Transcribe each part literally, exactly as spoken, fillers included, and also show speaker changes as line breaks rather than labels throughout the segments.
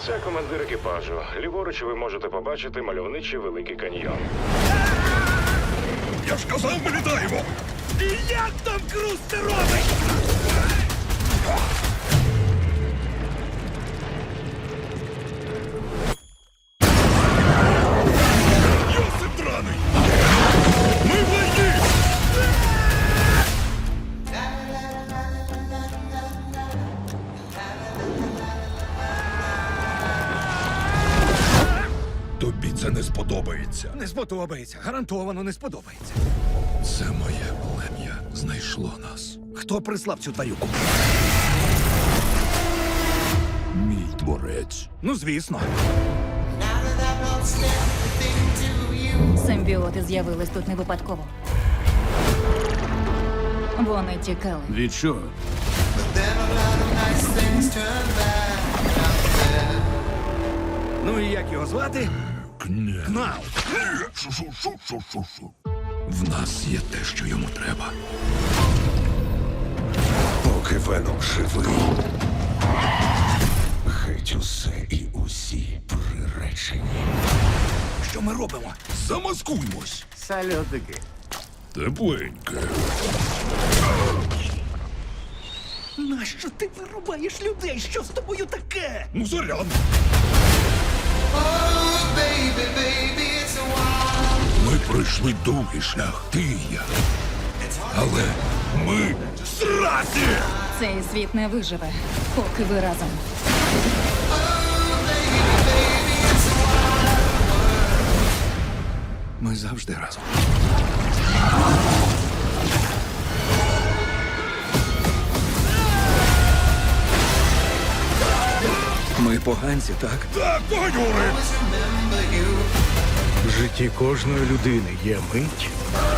Це командир екіпажу. Ліворуч ви можете побачити мальовничий Великий каньйон.
Я ж казав, ми літаємо!
І як там Круз це робить?
Йосип драний! Ми в лайні! Тобі це не сподобається.
Не сподобається, гарантовано не сподобається.
Це моє плем'я знайшло нас.
Хто прислав цю тварюку?
Мій творець.
Ну, звісно.
Симбіоти з'явились тут не випадково. Вони тікали.
Від чого?
Ну і як його звати?
Кня.
Кнал.
Шу-шу-шу-шу-шу-шу. В нас є те, що йому треба.
Поки Веном живий, геть усе і усі приречені.
Що ми робимо?
Замаскуймось.
Сальотики.
Тепленьке.
Нащо ти вирубаєш людей? Що з тобою таке?
Ну, заряд. Ми пройшли довгий шлях, ти і я. Але ми зразі!
Цей світ не виживе, поки ви разом.
Ми завжди разом. Ми поганці, так?
Так, погонюри!
В житті кожної людини є мить,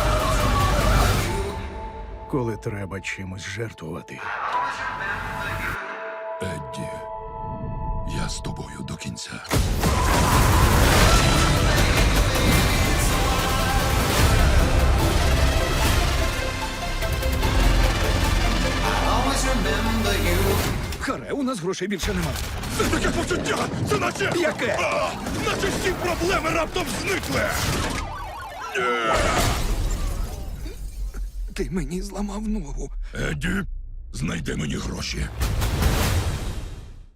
коли треба чимось жертвувати.
Едді, я з тобою до кінця.
Харе, у нас грошей більше нема.
Це таке почуття! Це наче...
Яке?
А, наче всі проблеми раптом зникли!
Ти мені зламав ногу.
Едді, знайди мені гроші.